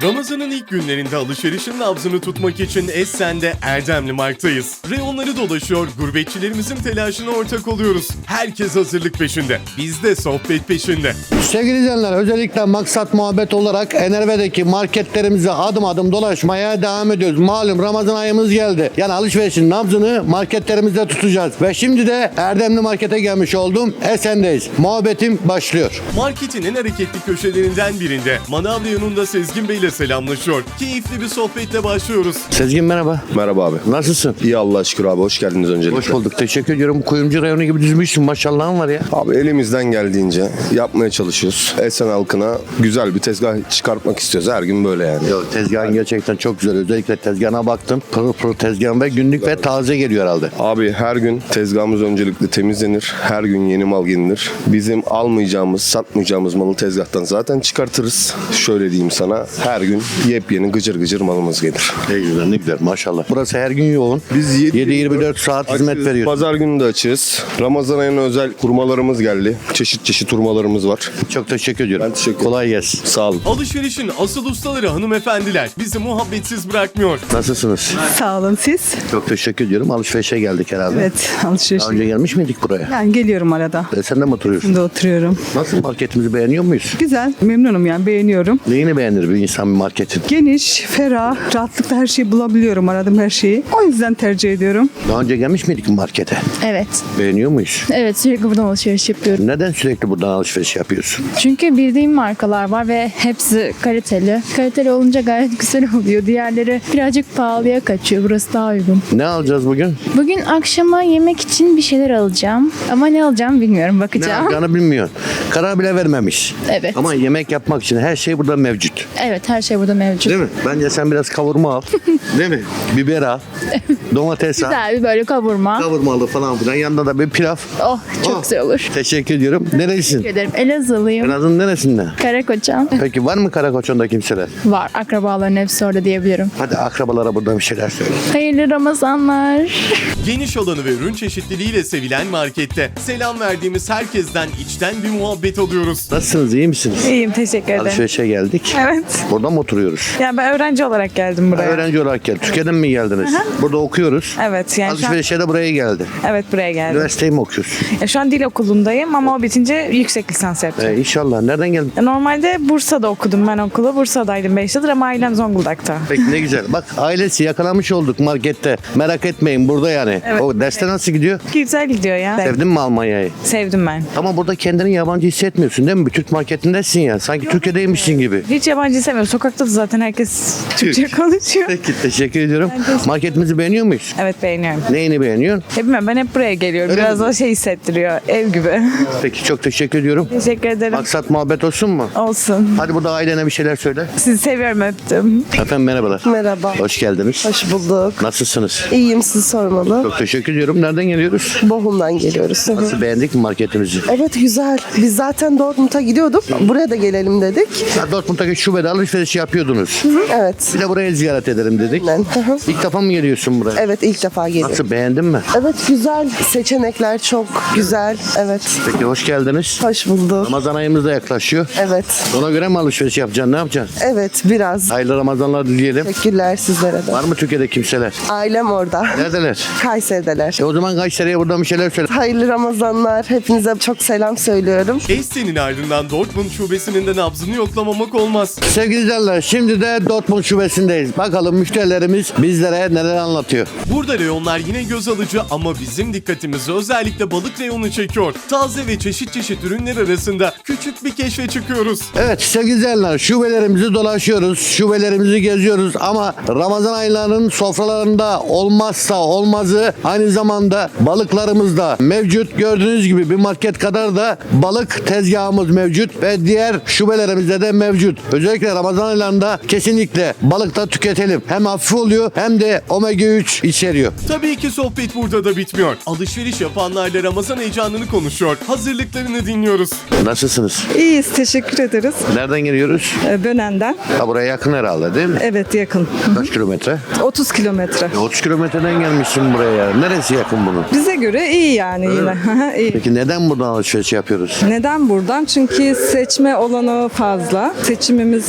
Ramazan'ın ilk günlerinde alışverişin nabzını tutmak için Essen'de Erdemli Mark'tayız. Reyonları dolaşıyor, gurbetçilerimizin telaşına ortak oluyoruz. Herkes hazırlık peşinde, biz de sohbet peşinde. Sevgili izleyenler, özellikle maksat muhabbet olarak Enerve'deki marketlerimize adım adım dolaşmaya devam ediyoruz. Malum Ramazan ayımız geldi. Yani alışverişin nabzını marketlerimizde tutacağız. Ve şimdi de Erdemli Market'e gelmiş oldum. Esen'deyiz. Muhabbetim başlıyor. Marketin en hareketli köşelerinden birinde Manav reyonunda Sezgin Bey ile selamlaşıyor. Keyifli bir sohbetle başlıyoruz. Sezgin merhaba. Merhaba abi. Nasılsın? İyi Allah'a şükür abi. Hoş geldiniz öncelikle. Hoş bulduk. Teşekkür ediyorum. Kuyumcu reyonu gibi düzmüşsün. Maşallahın var ya. Abi elimizden geldiğince yapmaya çalışıyoruz. Esen halkına güzel bir tezgah çıkartmak istiyoruz. Her gün böyle yani. Yok, tezgahın gerçekten çok güzel. Özellikle tezgahına baktım. Pırıl pırıl tezgahın ve günlük ve taze geliyor herhalde. Abi her gün tezgahımız öncelikle temizlenir. Her gün yeni mal gelinir. Bizim almayacağımız, satmayacağımız malı tezgahtan zaten çıkartırız. Şöyle diyeyim sana. Her gün yepyeni gıcır gıcır malımız gelir. Ne güzel, ne güzel. Maşallah. Burası her gün yoğun. Biz 7-24 saat hizmet açığız. veriyoruz. Pazar günü de açığız. Ramazan ayına özel hurmalarımız geldi. Çeşit çeşit hurmalarımız var. Çok teşekkür ediyorum. Ben teşekkür ederim. Kolay gelsin. Sağ olun. Alışverişin asıl ustaları hanımefendiler bizi muhabbetsiz bırakmıyor. Nasılsınız? Sağ olun siz. Çok teşekkür ediyorum. Alışverişe geldik herhalde. Evet, alışveriş. Daha önce gelmiş miydik buraya? Yani geliyorum arada. Sen de mi oturuyorsun? Şimdi oturuyorum. Nasıl, marketimizi beğeniyor muyuz? Güzel, memnunum yani beğeniyorum. Neyini beğenir bir insan bir marketin? Geniş, ferah, rahatlıkla her şeyi bulabiliyorum, aradığım her şeyi. O yüzden tercih ediyorum. Daha önce gelmiş miydik markete? Evet. Beğeniyor muyuz? Evet, sürekli buradan alışveriş yapıyorum. Neden sürekli buradan alışveriş yapıyorsun? Çünkü bildiğim markalar var ve hepsi kaliteli. Kaliteli olunca gayet güzel oluyor. Diğerleri birazcık pahalıya kaçıyor. Burası daha uygun. Ne alacağız bugün? Bugün akşama yemek için bir şeyler alacağım. Ama ne alacağım bilmiyorum. Ne Bakacağım. alacağını bilmiyorsun. Karar bile vermemiş. Evet. Ama yemek yapmak için her şey burada mevcut. Evet, her şey burada mevcut. Değil mi? Bence sen biraz kavurma al. Değil mi? Biber al. Domates al. Güzel bir böyle kavurma. Kavurmalı falan filan. Yanında da bir pilav. Oh, çok güzel olur. Teşekkür ediyorum. Nerelisin? Teşekkür ederim. Elazığlıyım. Elazığ'ın neresinden? Karakoçam. Peki var mı Karakoçan'da kimseler? Var. Akrabaların hepsi orada diyebilirim. Hadi akrabalara burada bir şeyler söyle. Hayırlı Ramazanlar. Geniş alanı ve ürün çeşitliliğiyle sevilen markette selam verdiğimiz herkesten içten bir muhabbet alıyoruz. Nasılsınız? İyi misiniz? İyiyim, teşekkür ederim. Alışverişe geldik. Evet. Burada mı oturuyoruz? Yani ben öğrenci olarak geldim buraya. Öğrenci olarak geldik. Türkiye'den mi geldiniz? Burada okuyoruz. Evet, yani şu an, Alışverişe de buraya geldi. evet buraya geldim. Üniversiteyi mi okuyorsun? Şu an dil okulundayım ama o bitince yüksek lisans yapacağım. İnşallah. Nereden geldin? Normalde Bursa'da okudum ben okulu. Bursa'daydım 5 yıldır ama ailem Zonguldak'ta. Peki ne güzel. Bak ailesi yakalamış olduk markette. Merak etmeyin burada yani. Evet. O derste nasıl gidiyor? Güzel gidiyor ya. Sevdin mi Almanya'yı? Sevdim ben. Ama burada kendini yabancı hissetmiyorsun değil mi? Bir Türk marketindesin ya. Sanki Türkiye'deymişsin gibi. Hiç yabancı sevmiyorum. Sokakta da zaten herkes Türkçe konuşuyor. Peki teşekkür ediyorum. Marketimizi beğeniyor muyuz? Evet, beğeniyorum. Neyini beğeniyorsun? Bilmiyorum, ben hep buraya geliyorum. Öyle Biraz mi? o şey hissettiriyor. Ev gibi. Peki çok teşekkür ediyorum. Teşekkür ederim. Maksat muhabbet olsun mu? Olsun. Hadi burada ailene bir şeyler söyle. Sizi seviyorum, öptüm. Efendim merhabalar. Merhaba. Hoş geldiniz. Hoş bulduk. Nasılsınız? İyiyim, sizi sormalı. Çok teşekkür ediyorum. Nereden geliyoruz? Bohum'dan geliyoruz. Hı hı. Nasıl, beğendik mi marketimizi? Evet, güzel. Biz zaten Dortmund'a gidiyorduk. Buraya da gelelim dedik. Ya Dortmund'daki şubede alışveriş yapıyordunuz. Evet. Bir de buraya ziyaret edelim dedik. Aynen. Hı hı. İlk defa mı geliyorsun buraya? Evet, ilk defa geliyorum. Nasıl, beğendin mi? Evet, güzel. Seçenekler çok güzel. Evet. Peki hoş geldiniz. Hoş bulduk. Ramazan ayımız da yaklaşıyor. Evet. Ona göre mi alışveriş yapacaksın? Ne yapacaksın? Evet, biraz. Hayırlı Ramazanlar dileyelim. Teşekkürler sizlere de. Var mı Türkiye'de kimseler? Ailem orada. Neredeler? Kayseri'deler. O zaman Kayseri'ye buradan bir şeyler söyle. Hayırlı Ramazanlar. Hepinize çok selam söylüyorum. Essen'in ardından Dortmund şubesinin de nabzını yoklamamak olmaz. Sevgili izleyenler, şimdi de Dortmund şubesindeyiz. Bakalım müşterilerimiz bizlere neler anlatıyor. Burada reyonlar yine göz alıcı ama bizim dikkatimizi özellikle balık reyonu çekiyor. Taze ve çeşit çeşit ürünler arasında küçük bir keşfe çıkıyoruz. Evet sevgili izleyenler, şubelerimizi dolaşıyoruz, şubelerimizi geziyoruz ama Ramazan aylarının sofralarında olmazsa olmazı aynı zamanda balıklarımız da mevcut. Gördüğünüz gibi bir market kadar da balık tezgahımız mevcut ve diğer şubelerimizde de mevcut. Özellikle Ramazan aylarında kesinlikle balık da tüketelim. Hem hafif oluyor hem de omega 3 içeriyor. Tabii ki sohbet burada da bitmiyor. Alışveriş yapanlarla Ramazan heyecanını konuşuyor. Hazırlıklarını dinliyoruz. Nasılsınız? İyiyiz, teşekkür ederiz. Nereden geliyoruz? Bönen'den. Ha, buraya yakın herhalde değil mi? Evet, yakın. Kaç kilometre? 30 kilometre. 30 kilometreden gelmişsin buraya. Neresi yakın bunun? Bize göre iyi yani yine. İyi. Peki neden buradan alışveriş yapıyoruz? Neden buradan? Çünkü seçme olanağı fazla. Seçimimiz iyi burada.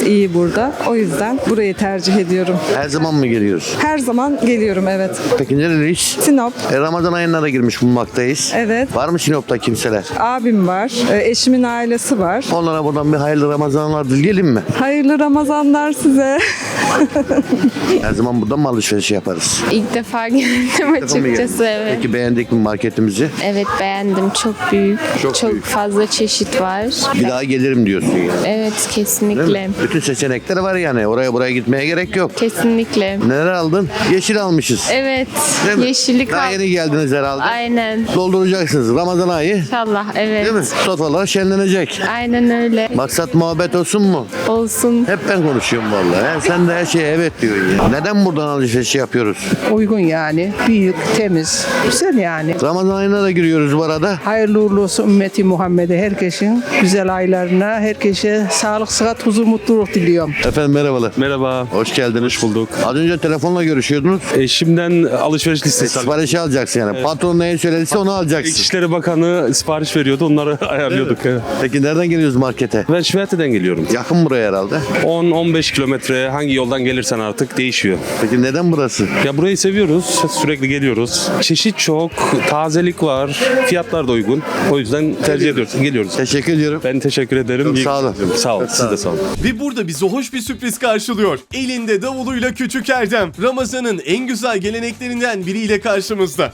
burada. O yüzden burayı tercih ediyorum. Her zaman mı geliyoruz? Her zaman geliyorum, evet. Peki nereliyiz? Sinop, Ramazan ayına da girmiş bulunmaktayız. evet. Var mı Sinop'ta kimseler? Abim var, eşimin ailesi var. Onlara buradan bir hayırlı Ramazanlar dileyelim mi? Hayırlı Ramazanlar size. Her zaman buradan mı alışveriş yaparız? İlk defa geldim açıkçası, evet. Peki beğendik mi marketimizi? Evet, beğendim. Çok büyük. Çok Çok büyük. fazla çeşit var. Bir daha gelirim diyorsun yani. Evet, Değil kesinlikle. mi? Bütün seçenekler var yani. Oraya buraya gitmeye gerek yok. Kesinlikle. Neler aldın? Yeşil almışız. Evet. Değil mi? Yeşillik Daha al. yeni geldiniz herhalde. Aynen. Dolduracaksınız Ramazan ayı. İnşallah, evet. Değil mi? Sofralar şenlenecek. Aynen öyle. Maksat muhabbet olsun mu? Olsun. Hep ben konuşuyorum vallahi. Sen de her şeye evet diyorsun ya. Neden buradan alışveriş yapıyoruz? Uygun yani. Büyük, temiz. Güzel yani. Ramazan ayına da giriyoruz bu arada. Hayırlı uğurlu olsun ümmeti Muhammed'e, herkesin güzel aylarına, herkese sağlık, sıhhat, huzur, mutluluk diliyorum. Efendim merhabalar. Merhaba. Hoş geldiniz. Hoş bulduk. Az önce telefonla görüşüyordunuz. Eşimden alışveriş listesi aldım. Siparişi alacaksın yani. Patron neyi söylediyse onu alacaksın. İçişleri Bakanı sipariş veriyordu. Onları ayarlıyorduk. Evet. Peki nereden geliyoruz markete? Ben Şivate'den geliyorum. Yakın buraya herhalde. 10-15 kilometre hangi yoldan gelirsen artık değişiyor. Peki neden burası? Ya burayı seviyoruz. Sürekli geliyoruz. Çeşit çok. Tazelik var. Fiyatlar da uygun. O yüzden tercih ediyoruz. Geliyoruz. Teşekkür ediyorum. Ben teşekkür ederim. Çok İyi sağ olun. günler. Sağ olun. Siz de sağ olun. Ve burada bizi hoş bir sürpriz karşılıyor. Elinde davuluyla Küçük Erdem. Ramazan'ın en güzel geleneklerinden biriyle karşımızda.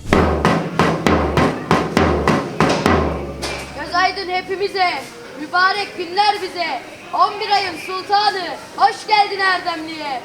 Göz aydın hepimize, mübarek günler bize. 11 ayın sultanı, hoş geldin Erdemli'ye.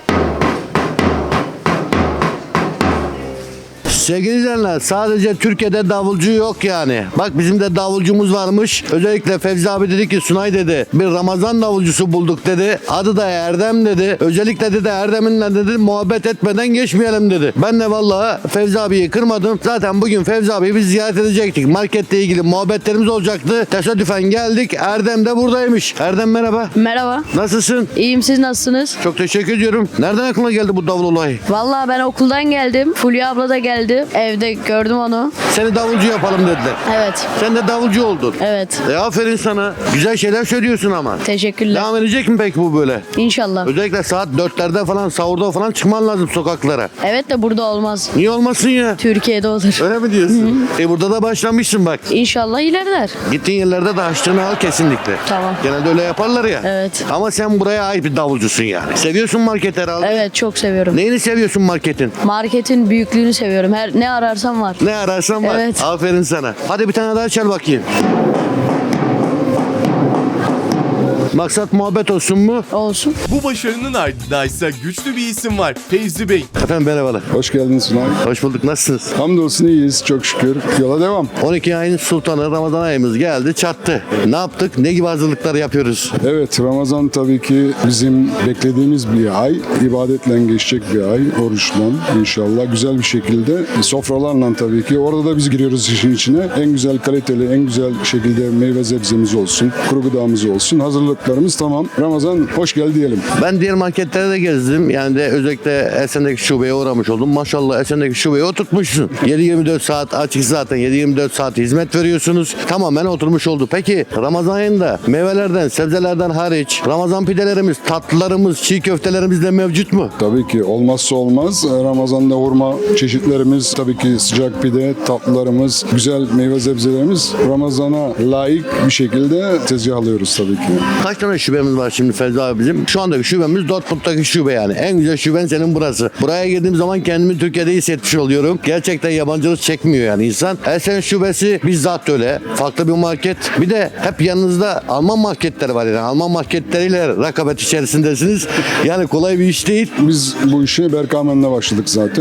Sevgili izleyenler, sadece Türkiye'de davulcu yok yani. Bak bizim de davulcumuz varmış. Özellikle Fevzi abi dedi ki Sunay dedi bir Ramazan davulcusu bulduk dedi. Adı da Erdem dedi. Özellikle dedi Erdem'inle dedi muhabbet etmeden geçmeyelim dedi. Ben de vallahi Fevzi abiyi kırmadım. Zaten bugün Fevzi abiyi biz ziyaret edecektik. Marketle ilgili muhabbetlerimiz olacaktı. Tesadüfen geldik. Erdem de buradaymış. Erdem merhaba. Merhaba. Nasılsın? İyiyim, siz nasılsınız? Çok teşekkür ediyorum. Nereden aklına geldi bu davul olayı? Vallahi ben okuldan geldim. Fulya abla da geldi. Evde gördüm onu. Seni davulcu yapalım dediler. Evet. Sen de davulcu oldun. Evet. Aferin sana. Güzel şeyler söylüyorsun ama. Teşekkürler. Devam edecek mi peki bu böyle? İnşallah. Özellikle saat 4'lerde falan sahurda falan çıkman lazım sokaklara. Evet de burada olmaz. Niye olmasın ya? Türkiye'de olur. Öyle mi diyorsun? Burada da başlamışsın bak. İnşallah ilerler. Gittiğin yerlerde de harçlığını al kesinlikle. Tamam. Genelde öyle yaparlar ya. Evet. Ama sen buraya ait bir davulcusun yani. Seviyorsun market herhalde. Evet, çok seviyorum. Neyini seviyorsun marketin? Marketin büyüklüğünü seviyorum. Ne ararsam var. Ne ararsan var. Evet. Aferin sana. Hadi bir tane daha çal bakayım. Maksat muhabbet olsun mu? Olsun. Bu başarının ardında ise güçlü bir isim var. Fevzi Bey. Efendim merhabalar. Hoş geldin Sunay. Hoş bulduk. Nasılsınız? Hamdolsun iyiyiz çok şükür. Yola devam. 12 ayın sultanı Ramazan ayımız geldi çattı. Ne yaptık? Ne gibi hazırlıklar yapıyoruz? Evet Ramazan tabii ki bizim beklediğimiz bir ay. İbadetle geçecek bir ay. Oruçla inşallah güzel bir şekilde. Sofralarla tabii ki. Orada da biz giriyoruz işin içine. En güzel kaliteli, en güzel şekilde meyve sebzemiz olsun. Kuru gıdamız olsun. Hazırlıklarımız tamam. Ramazan hoş geldi diyelim. Ben diğer marketlere de gezdim. Yani de özellikle Esen'deki şubeye uğramış oldum. Maşallah Esen'deki şubeyi oturtmuşsun. 7-24 saat açık zaten. 7-24 saat hizmet veriyorsunuz. Tamamen oturmuş oldu. Peki Ramazan ayında meyvelerden, sebzelerden hariç Ramazan pidelerimiz, tatlılarımız, çiğ köftelerimiz de mevcut mu? Tabii ki olmazsa olmaz. Ramazan'da hurma çeşitlerimiz, tabii ki sıcak pide, tatlılarımız, güzel meyve sebzelerimiz Ramazan'a layık bir şekilde tezgahlıyoruz tabii ki. Kaç tane şubemiz var şimdi Fevzi abi bizim? Şu andaki şubemiz Dortmund'daki şube yani. En güzel şuben senin burası. Buraya girdiğim zaman kendimi Türkiye'de hissetmiş oluyorum. Gerçekten yabancılık çekmiyor yani insan. Esen şubesi bizzat öyle. Farklı bir market. Bir de hep yanınızda Alman marketleri var yani. Alman marketleriyle rekabet içerisindesiniz. Yani kolay bir iş değil. Biz bu işe Berkamen'le başladık zaten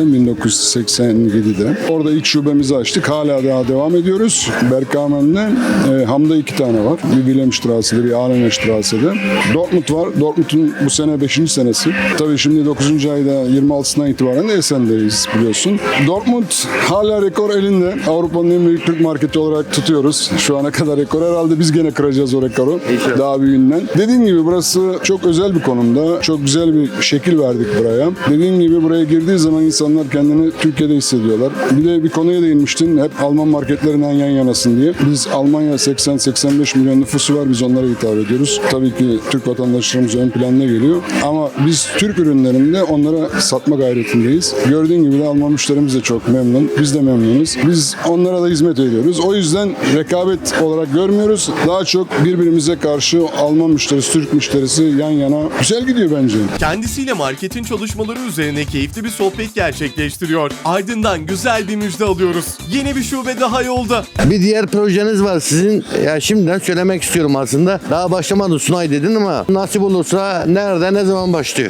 1987'de. Orada ilk şubemizi açtık. Hala daha devam ediyoruz. Berkamen'de Ham'da 2 tane var. Bir Wilhelmstrasse'de, bir Ahlenstrasse'de. Dortmund var. Dortmund'un bu sene 5. senesi. Tabii şimdi 9. ayda 26'sından itibaren de Esen'deyiz biliyorsun. Dortmund hala rekor elinde. Avrupa'nın en büyük Türk marketi olarak tutuyoruz. Şu ana kadar rekor. Herhalde biz gene kıracağız o rekoru. Daha büyüğünden. Dediğim gibi burası çok özel bir konumda. Çok güzel bir şekil verdik buraya. Dediğim gibi buraya girdiği zaman insanlar kendini Türkiye'de hissediyorlar. Bir de bir konuya değinmiştin. Hep Alman marketlerinden yan yanasın diye. Biz Almanya 80-85 milyon nüfusu var. Biz onlara hitap ediyoruz. tabii ki Türk vatandaşlarımız ön planda geliyor. Ama biz Türk ürünlerini de onlara satma gayretindeyiz. Gördüğün gibi de Alman müşterimiz de çok memnun. Biz de memnunuz. Biz onlara da hizmet ediyoruz. O yüzden rekabet olarak görmüyoruz. Daha çok birbirimize karşı Alman müşterisi, Türk müşterisi yan yana güzel gidiyor bence. Kendisiyle marketin çalışmaları üzerine keyifli bir sohbet gerçekleştiriyor. Ardından güzel bir müjde alıyoruz. Yeni bir şube daha yolda. Bir diğer projeniz var sizin. Ya şimdiden söylemek istiyorum aslında. Daha başlamadı Sunay dedin ama nasip olursa nerede ne zaman başlıyor?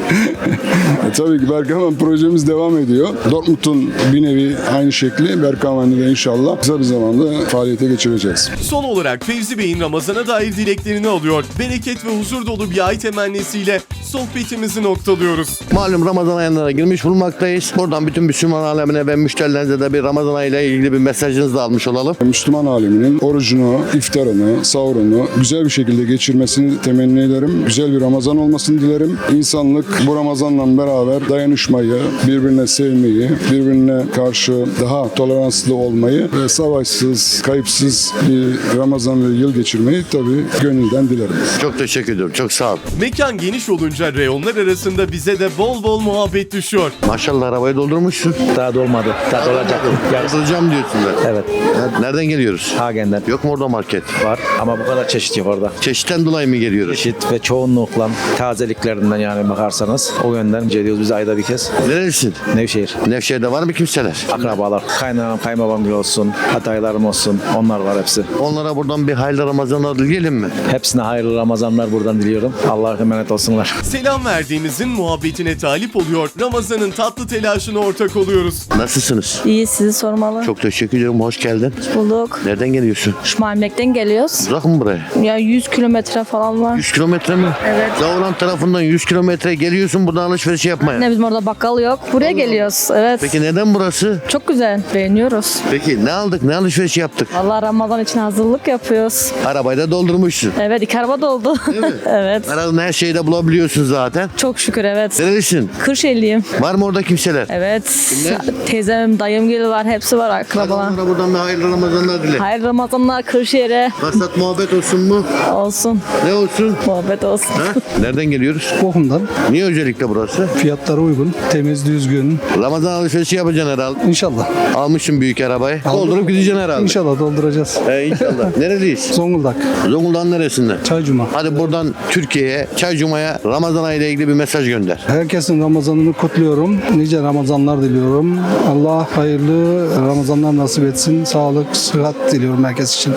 Tabii ki Berkamen projemiz devam ediyor. Dortmund'un bir nevi aynı şekli Berkamen'de de inşallah kısa bir zamanda faaliyete geçireceğiz. Son olarak Fevzi Bey'in Ramazan'a dair dileklerini alıyor. Bereket ve huzur dolu bir ay temennisiyle sohbetimizi noktalıyoruz. Malum Ramazan aylarına girmiş bulunmaktayız. Buradan bütün Müslüman alemine ve müşterilerinize de bir Ramazan ayıyla ilgili bir mesajınızı da almış olalım. Müslüman aleminin orucunu, iftarını, sahurunu güzel bir şekilde geçirmesini temenni ederim. Güzel bir Ramazan olmasını dilerim. İnsanlık bu Ramazan'la beraber dayanışmayı, birbirine sevmeyi, birbirine karşı daha toleranslı olmayı ve savaşsız, kayıpsız bir Ramazan ve yıl geçirmeyi tabii gönülden dilerim. Çok teşekkür ediyorum. Çok sağ ol. Mekan geniş olunca reyonlar arasında bize de bol bol muhabbet düşüyor. Maşallah arabayı doldurmuşsun. Daha dolmadı. Daha dolacak. Dolduracağım diyorsun da. Evet. Nereden geliyoruz? Hagen'den Yok mu orada market? var ama bu kadar çeşit yok orada. Çeşitten dolayı mı geliyoruz? Çeşit ve çoğunlukla tazeliklerinden yani bakarsanız o yönden ediyoruz biz ayda bir kez. Nerelisin? Nevşehir. Nevşehir'de var mı kimseler? Akrabalar. Kaynanam, kayınbabam gibi olsun. Adaylarım olsun. Onlar var hepsi. Onlara buradan bir hayırlı Ramazanlar dileyelim mi? Hepsine hayırlı Ramazanlar buradan diliyorum. Allah'a emanet olsunlar. Selam verdiğimizin muhabbetine talip oluyor. Ramazan'ın tatlı telaşına ortak oluyoruz. Nasılsınız? İyi, sizi sormalı. Çok teşekkür ederim. Hoş geldin. Bulduk. Nereden geliyorsun? Şmarmlek'ten geliyoruz. Uzak mı buraya? Ya 100 kilometre falan var. 100 kilometre mi? Evet. Davran tarafından 100 kilometre geliyorsun buradan alışveriş yapmaya. Ne bizim orada bakkal yok. Buraya geliyoruz. Evet. Peki neden burası? Çok güzel. Beğeniyoruz. Peki ne aldık? Ne alışveriş yaptık? Allah Ramazan için hazırlık yapıyoruz. Arabayı da doldurmuşsun. Evet, 2 araba doldu. Evet. Aradığın her şeyi de bulabiliyorsun zaten. Çok şükür evet. Nerelisin? Kırşehirliyim. Var mı orada kimseler? Evet. Kimler? Teyzem, dayım gibi var. Hepsi var akrabalar. Onlara buradan bir hayırlı Ramazanlar dile. Hayırlı Ramazanlar Kırşehir'e. Maksat muhabbet olsun mu? Olsun. Ne olsun? Muhabbet olsun. Ha? Nereden geliyoruz? Bochum'dan. Niye özellikle burası? Fiyatları uygun, temiz, düzgün. Ramazan alışverişi yapacaksın herhalde. İnşallah. Almışsın büyük arabayı. Doldurup gideceksin herhalde. İnşallah dolduracağız. İnşallah. Nereliyiz? Zonguldak. Zonguldak'ın neresinden? Çaycuma. Hadi buradan Türkiye'ye, Çaycuma'ya Ramazan ayıyla ilgili bir mesaj gönder. Herkesin Ramazan'ını kutluyorum. Nice Ramazanlar diliyorum. Allah hayırlı Ramazanlar nasip etsin. Sağlık, sıhhat diliyorum herkes için.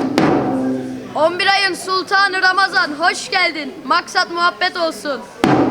...11 ayın sultanı Ramazan hoş geldin. Maksat muhabbet olsun.